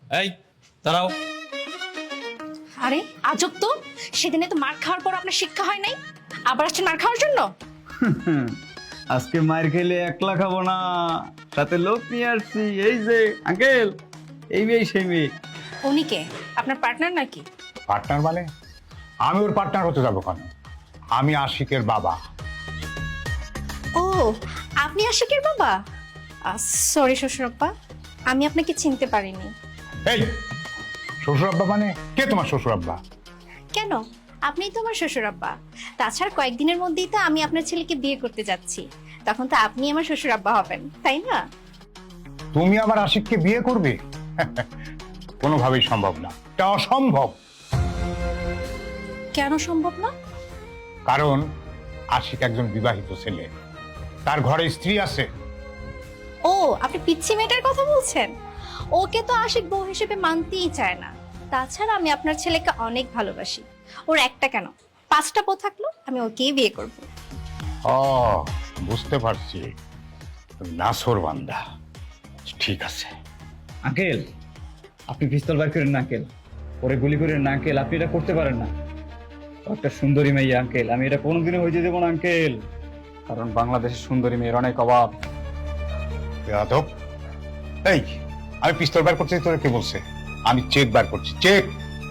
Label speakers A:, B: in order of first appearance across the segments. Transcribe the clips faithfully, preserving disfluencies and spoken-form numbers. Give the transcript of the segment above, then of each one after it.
A: এই দাঁড়াও।
B: আরে আজব তো, সেদিনে তো মার খাওয়ার পর আপনার শিক্ষা হয় নাই, আবার আসছেন মার খাওয়ার জন্য?
C: আজকে মার খেলে একলা খাবো না, সাথে লোক নিয়ে আসছি। এই যে আঙ্কেল, এই মেয়ে সেই মেয়ে।
B: উনি কে? আপনার পার্টনার নাকি?
D: পার্টনার মানে? আমি ওর পার্টনার হতে যাবো কেন? আমি আশিকের বাবা।
B: ও, আপনি আশিকের বাবা? সরি শ্বশুরপ্পা, আমি আপনাকে চিনতে পারিনি।
D: এই শ্বশুর আব্বা মানে কে তোমার শ্বশুর আব্বা?
B: কেন, আপনিই তো আমার শ্বশুরাব্বা। তাছাড়া কয়েকদিনের মধ্যেই তো আমি আপনার ছেলেকে বিয়ে করতে যাচ্ছি, তখন তো আপনি আমার শ্বশুরাব্বা হবেন, তাই না?
D: তুমি আমার আশিককে বিয়ে করবে? কোনোভাবেই সম্ভব না, এটা অসম্ভব।
B: কেন সম্ভব না?
D: কারণ আশিক একজন বিবাহিত ছেলে, তার ঘরে স্ত্রী আছে।
B: ও, আপনি পিচ্ছি মেয়েটার কথা বলছেন? ওকে তো আশিক বউ হিসেবে মানতেই চায় না। তাছাড়া আমি আপনার ছেলেকে অনেক ভালোবাসি, ওর একটা কেন পাঁচটা বউ থাকলো আমি ওকেই বিয়ে করব।
D: ও, বুঝতে পারছি, তুমি নাসর বান্দা। ঠিক আছে
C: আঙ্কেল, আপনি পিস্তল বার করেন না আঙ্কেল, পরে গুলি করেন না আঙ্কেল, আপনি এটা করতে পারেন না। ও একটা সুন্দরী মেয়ে আঙ্কেল, আমি এটা কোনোদিনও হইতে দেবো না আঙ্কেল, কারণ বাংলাদেশের সুন্দরী মেয়ের অনেক অভাব।
D: বেয়াদব। এই, আমি পিস্তল বার করছি, তোরা কে বলছে? আমি চেক বার করছি, চেক।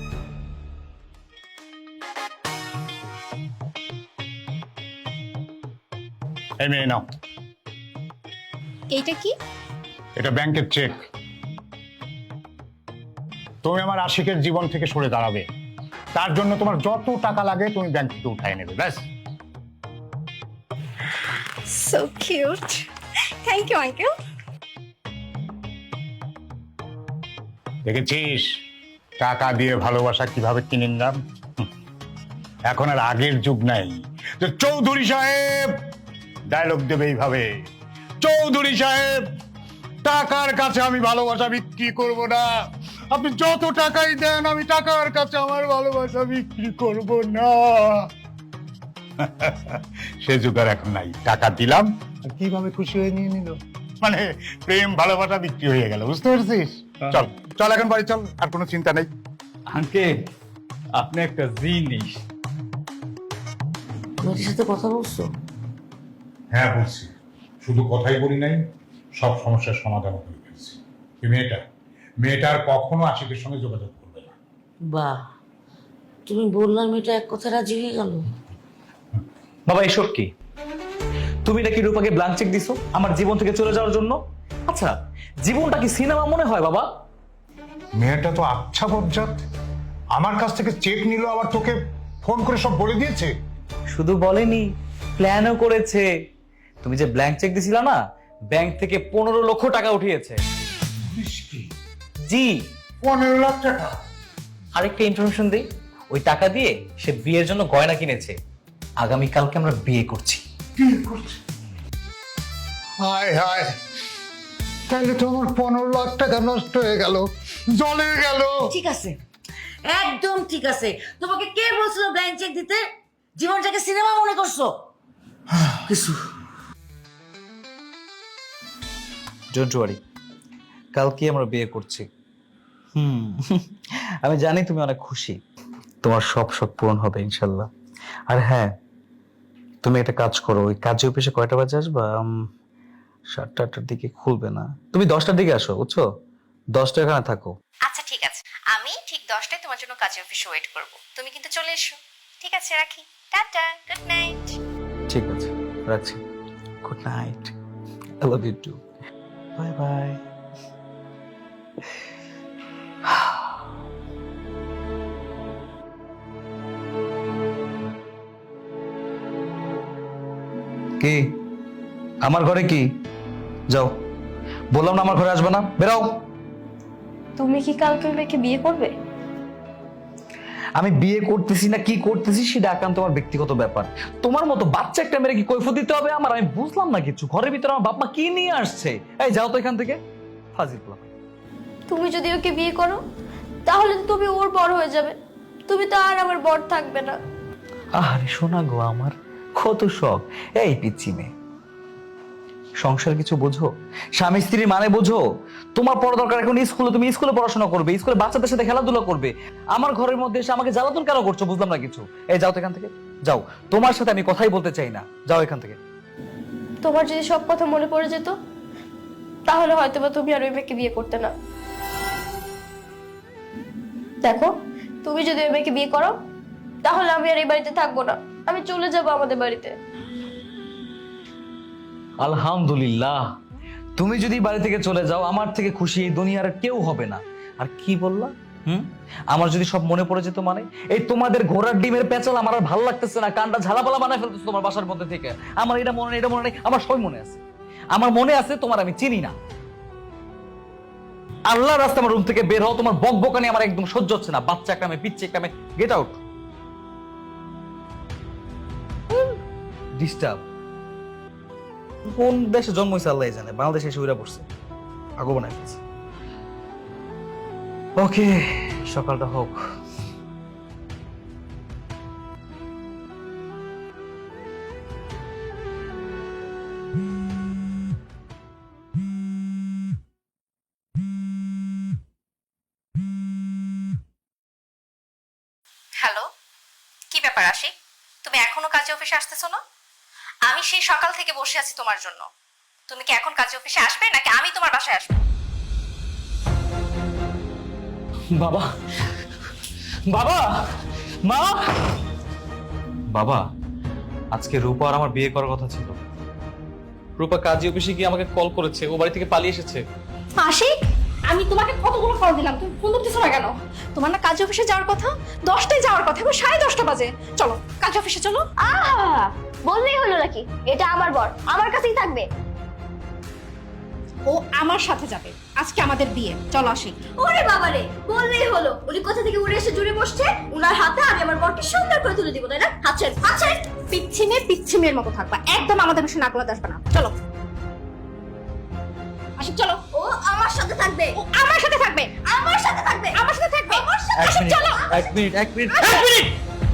D: এই মেয়ে নাও,
B: এইটা কি?
D: এটা ব্যাংকের চেক। তুমি আমার আশিকের জীবন থেকে সরে দাঁড়াবে, তার জন্য তোমার যত টাকা লাগে তুমি ব্যাংক থেকে উঠায় নেবে, ব্যাস।
B: So cute, thank you uncle.
D: দেখেছিস টাকা দিয়ে ভালোবাসা কিভাবে কিনে নিলাম? এখন আর আগের যুগ নাই যে চৌধুরী সাহেব ডায়লগ দেবে এইভাবে। চৌধুরী সাহেব, টাকার কাছে আমি ভালোবাসা বিক্রি করব না। আপনি যত টাকাই দেন আমি টাকার কাছে আমার ভালোবাসা বিক্রি করব না। সে যুগ আর এখন নাই। টাকা দিলাম আর কিভাবে খুশি হয়ে নিয়ে নিল, মানে প্রেম ভালোবাসা বিক্রি হয়ে গেল, বুঝতে পারছিস? চল চল এখন বাড়ি চল, আর কোনো চিন্তা নেই।
C: আঙ্কেল, আপনি একটা জিনিস।
E: মেয়েটির সাথে কথা বলছো?
D: হ্যাঁ বলছি, শুধু কথাই বলি নাই, সব সমস্যার সমাধান করে ফেলছি। এই মেয়েটা মেয়েটার কখনো আশিকের সঙ্গে যোগাযোগ করবে না।
E: বাহ, তুমি বললাম মেয়েটা এক কথা রাজি হয়ে গেল।
A: বাবা এসব কি? তুমি নাকি রূপাকে ব্ল্যাঙ্ক চেক দিছো আমার জীবন থেকে চলে যাওয়ার জন্য? আচ্ছা, জীবনটা কি সিনেমা মনে হয় বাবা?
D: মেয়েটা তো আচ্ছা বজ্জাত, আমার কাছ থেকে চেক নিল, আবার তোকে ফোন করে সব বলে দিয়েছে।
A: শুধু বলেনি, প্ল্যানও করেছে। তুমি যে ব্ল্যাঙ্ক চেক দিছিলা না, ব্যাংক থেকে পনেরো লক্ষ টাকা উঠিয়েছে। জি,
D: পনেরো লাখ টাকা?
A: আরেকটা ইনফরমেশন দিই, ওই টাকা দিয়ে সে বিয়ের জন্য গয়না কিনেছে। আগামীকালকে আমরা বিয়ে করছি।
D: হায় হায়, তাহলে তো আমার পনেরো লাখ টাকা নষ্ট হয়ে গেল, জলে গেল।
E: ঠিক আছে, একদম ঠিক আছে। তোমাকে কে বলছিল ব্ল্যাঙ্ক চেক দিতে? জীবনটাকে সিনেমা মনে করছো? কিছু
A: ডোন্ট ওয়ারি, কালকে আমরা বিয়ে করছি। হুম, আমি জানি তুমি অনেক খুশি, তোমার সব শখ পূরণ হবে ইনশাল্লাহ। আর হ্যাঁ, তুমি একটা কাজ করো, ওই কাজে অফিসে কয়টা বাজে আসবা? উম, সাতটা আটটার দিকে খুলবে না, তুমি দশটার দিকে আসো, বুঝছো? দশটা এখানে থাকো।
B: আচ্ছা ঠিক আছে, আমি ঠিক দশটায় তোমার জন্য কাজে অফিসে ওয়েট করব, তুমি কিন্তু চলে এসো। ঠিক আছে, রাখি, টাটা, গুড নাইট।
A: ঠিক আছে, রাখছি। Good night, I love you too, bye bye. কি আমার ঘরে কি? যাও, বললাম না আমার ঘরে আসবে না, বেরাও।
B: তুমি কি কালকে ওই মেয়েকে বিয়ে করবে?
A: আমি বিয়ে করতেছি না কি করতেছি সেটা একান্ত আমার ব্যক্তিগত ব্যাপার। তোমার মতো বাচ্চা একটা মেরে কি কৈফিয়ত দিতে হবে আমার? আমি বুঝলাম না কিছু। ঘরের ভিতরে আমার বাপ মা কি নিয়ে আসছে? এই যাও তো এখান থেকে, ফাজিল পোলা।
F: তুমি যদি ওকে বিয়ে করো তাহলে তো তুমি ওর বড় হয়ে যাবে, তুমি তো আর আমার বর থাকবে না।
A: আরে শোনা গো, আমার কত শখ। এই পিচ্ছি মেয়ে, সংসার কিছু বোঝো? স্বামী স্ত্রীর মানে বোঝো? তোমার পড়া দরকার এখন স্কুলে, তুমি স্কুলে পড়াশোনা করবে, স্কুলে বাচ্চাদের সাথে খেলাধুলা করবে। আমার ঘরের মধ্যে এসে আমাকে জ্বালাতন কেন করছো বুঝলাম না কিছু। এই যাও তো এখান থেকে, যাও। তোমার সাথে আমি কথাই বলতে চাই না, যাও এখান থেকে।
F: তোমার যদি সব কথা মনে পড়ে যেত তাহলে হয়তো বা তুমি আর ওই মেয়েকে বিয়ে করতে না। দেখো, তুমি যদি ওই মেয়েকে বিয়ে করো তাহলে আমি আর এই বাড়িতে থাকবো না, আমি চলে যাব আমাদের বাড়িতে।
A: আলহামদুলিল্লাহ, তুমি যদি বাড়ি থেকে চলে যাও আমার থেকে খুশি এই দুনিয়ার কেউ হবে না। আর কি বললা? হুম, আমার যদি সব মনে পড়ে যেত মানে? এই তোমাদের ঘোড়ার ডিমের পেঁচাল আমার আর ভালো লাগতেছে না, কানটা ঝালাপালা বানায় ফেলতেছে তোমার বাসার মধ্যে থেকে। আমার এটা মনে নেই, এটা মনে নেই, আমার সবই মনে আছে। আমার মনে আছে তোমার আমি চিনি না। আল্লাহর রাস্তা আমার রুম থেকে বের হও, তোমার বকবকানি আমার একদম সহ্য হচ্ছে না। বাচ্চা একটা মেয়ে, পিচ্ছে একটা মেয়ে, গেট আউট। ডিস্টার্ব। কোন দেশে জন্ম হয়েছে আল্লাহ জানে, বাংলাদেশে এসে উড়া পড়ছে, আগো বানায় ফেলছে। ওকে, সকালটা হোক।
B: হ্যালো, কি ব্যাপার আশিক? তুমি এখনো কাজে অফিসে আসতেছো না? আমি সেই সকাল থেকে বসে আছি তোমার জন্য। তুমি কি এখন কাজে অফিসে আসবে নাকি আমি তোমার বাসায় আসবো?
A: বাবা, বাবা, মা, বাবা, আজকে রূপা আর আমার বিয়ে করার কথা ছিল। রূপা কাজী অফিসে গিয়ে আমাকে কল করেছে, ও বাড়ি থেকে পালিয়ে এসেছে।
B: আশিক, আমি তোমাকে কতগুলো কল দিলাম, তুমি ফোন ধরতেছো না কেন? তোমার না কাজে অফিসে যাওয়ার কথা? দশটায় যাওয়ার কথা, এখন সাড়ে দশটা বাজে। চলো কাজে অফিসে চলো।
F: আহা, বললেই হলো নাকি? এটা আমার বর, আমার কাছেই থাকবে।
B: ও আমার সাথে যাবে, আজকে আমাদের বিয়ে। চলো আশিক।
F: ওরে বাবারে, বললেই হলো। উনি কোথা থেকে উড়ে এসে জুড়ে বসছে, উনার হাতে আমি আমার বরকে সুন্দর করে তুলে দিব, তাই না? হাত ছেড়ে, হাত ছেড়ে।
B: পিচ্ছি মেয়ে পিচ্ছি মেয়ের মতো থাকবা, একদম আমাদের বিষয়ে নাক গলাতে আসবে না। চলো আশিক, চলো।
F: ও আমার সাথে থাকবে,
B: ও আমার সাথে থাকবে,
F: আমার সাথে থাকবে,
B: আমার সাথে থাকবে,
F: আমার সাথে।
A: এক
B: আশিক,
A: মিনিট,
B: চলো।
A: এক মিনিট, এক মিনিট, এক মিনিট।